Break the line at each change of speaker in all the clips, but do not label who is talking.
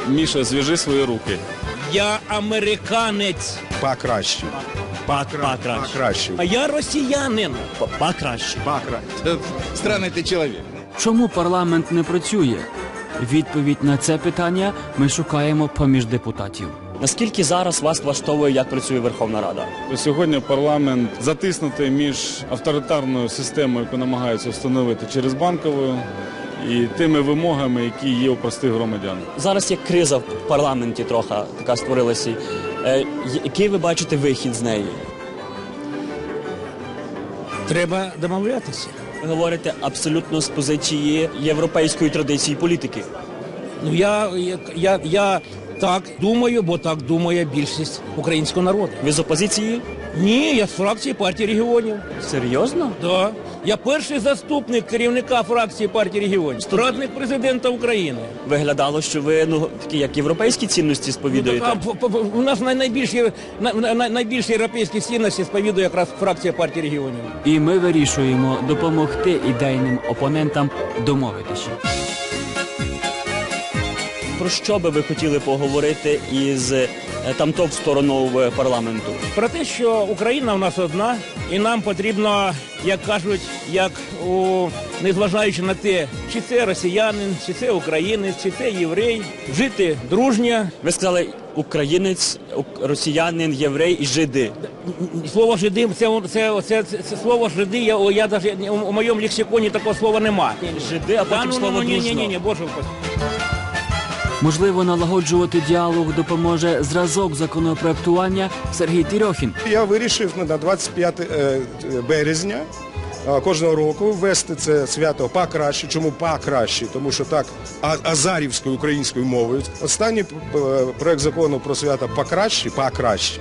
Міша, зв'яжи свої руки.
Я американець.
Покраще. Покраще.
А я росіянин.
Покраще.
Странний ти чоловік.
Чому парламент не працює? Відповідь на це питання ми шукаємо поміж депутатів. Наскільки зараз вас влаштовує, як працює Верховна Рада?
Сьогодні парламент затиснутий між авторитарною системою, яку намагаються встановити через банкову, і тими вимогами, які є у простих громадян.
Зараз є криза в парламенті трохи, така створилася. Який ви бачите вихід з неї?
Треба домовлятися.
Ви говорите абсолютно з позиції європейської традиції політики.
Ну, я так думаю, бо так думає більшість українського народу.
Ви з опозиції?
Ні, я з фракції партії регіонів.
Серйозно?
Так. Я перший заступник керівника фракції партії регіонів. Радник президента України.
Виглядало, що ви такі як європейські цінності сповідуєте.
У нас найбільші європейські цінності сповідує якраз фракція партії регіонів.
І ми вирішуємо допомогти ідейним опонентам домовитися. Про що би ви хотіли поговорити із тамтов стороною парламенту?
Про те, що Україна в нас одна, і нам потрібно, як кажуть, незважаючи на те, чи це росіянин, чи це українець, чи це єврей, жити дружньо.
Ви сказали українець, росіянин, єврей і жиди.
Слово жиди, це слово жиди, я навіть у моєму лексиконі такого слова нема.
Жиди, а потім слово дружно.
Ні, боже упаси.
Можливо, налагоджувати діалог допоможе зразок законопроектування Сергій Тірьохін.
Я вирішив на 25 березня кожного року ввести це свято покраще. Чому покраще? Тому що так азарівською українською мовою. Останній проект закону про свято покраще.
Покраще.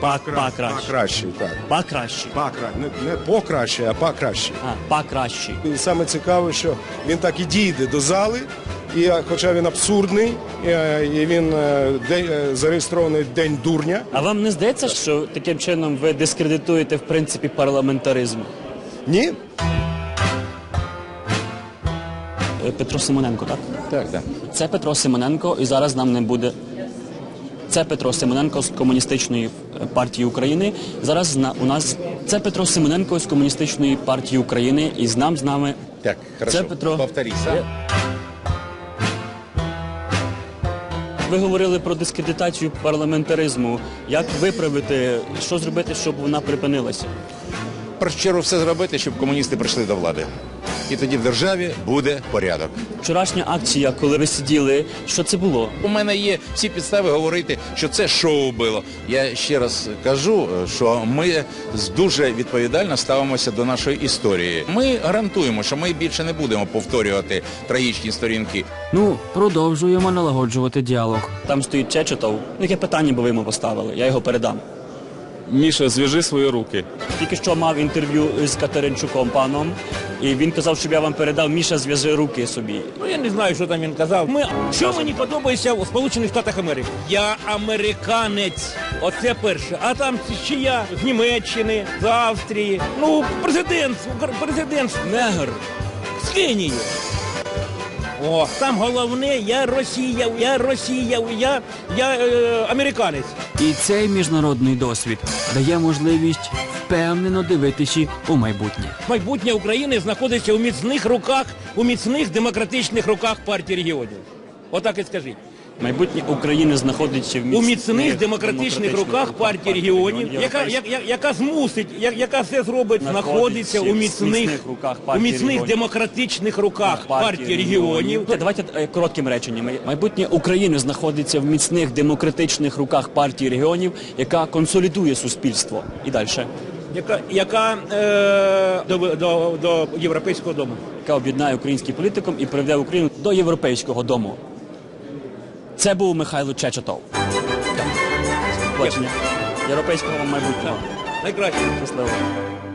Не покраще, а покраще.
Покраще.
І саме цікаве, що він так і дійде до зали. І хоча він абсурдний, і він зареєстрований День дурня.
А вам не здається, що таким чином ви дискредитуєте, в принципі, парламентаризм?
Ні.
Петро Симоненко, так?
Так.
Це Петро Симоненко, і зараз нам не буде... Це Петро Симоненко з Комуністичної партії України. Зараз у нас... Це Петро Симоненко з Комуністичної партії України, і з нами...
Так, хорошо.
Це Петро...
Повторись.
Ви говорили про дискредитацію парламентаризму. Як виправити, що зробити, щоб вона припинилася?
В першу чергу все зробити, щоб комуністи прийшли до влади. І тоді в державі буде порядок.
Вчорашня акція, коли ви сиділи, що це було?
У мене є всі підстави говорити, що це шоу було. Я ще раз кажу, що ми дуже відповідально ставимося до нашої історії. Ми гарантуємо, що ми більше не будемо повторювати трагічні сторінки.
Продовжуємо налагоджувати діалог. Там стоїть Чечетов. Яке питання би ви йому поставили? Я його передам.
Міша, зв'яжи свої руки.
Тільки що мав інтерв'ю з Катеринчуком паном, і він казав, щоб я вам передав: Міша, зв'яжи руки собі.
Я не знаю, що там він казав. Що мені подобається у Сполучених Штатах Америки? Я американець. Оце перше. А там ще я з Німеччини, з Австрії. Президент
Негр.
з Кенії. Там головне, я американець.
І цей міжнародний досвід дає можливість впевнено дивитися у майбутнє.
Майбутнє України знаходиться у міцних руках, у міцних демократичних руках партії регіонів. Отак і скажіть.
Майбутнє України знаходиться
у міцних демократичних руках партії регіонів, яка змусить, яка все зробить, знаходиться у міцних демократичних руках партії регіонів.
Давайте коротким реченням. Майбутнє України знаходиться в міцних демократичних руках партії регіонів, яка консолідує суспільство. І далі.
Яка до Європейського дому.
Яка об'єднає український політикум і приведе Україну до Європейського дому. Це був Михайло Чечетов. Бачення. Європейського майбутнього.
Найкраще.
Щасливо.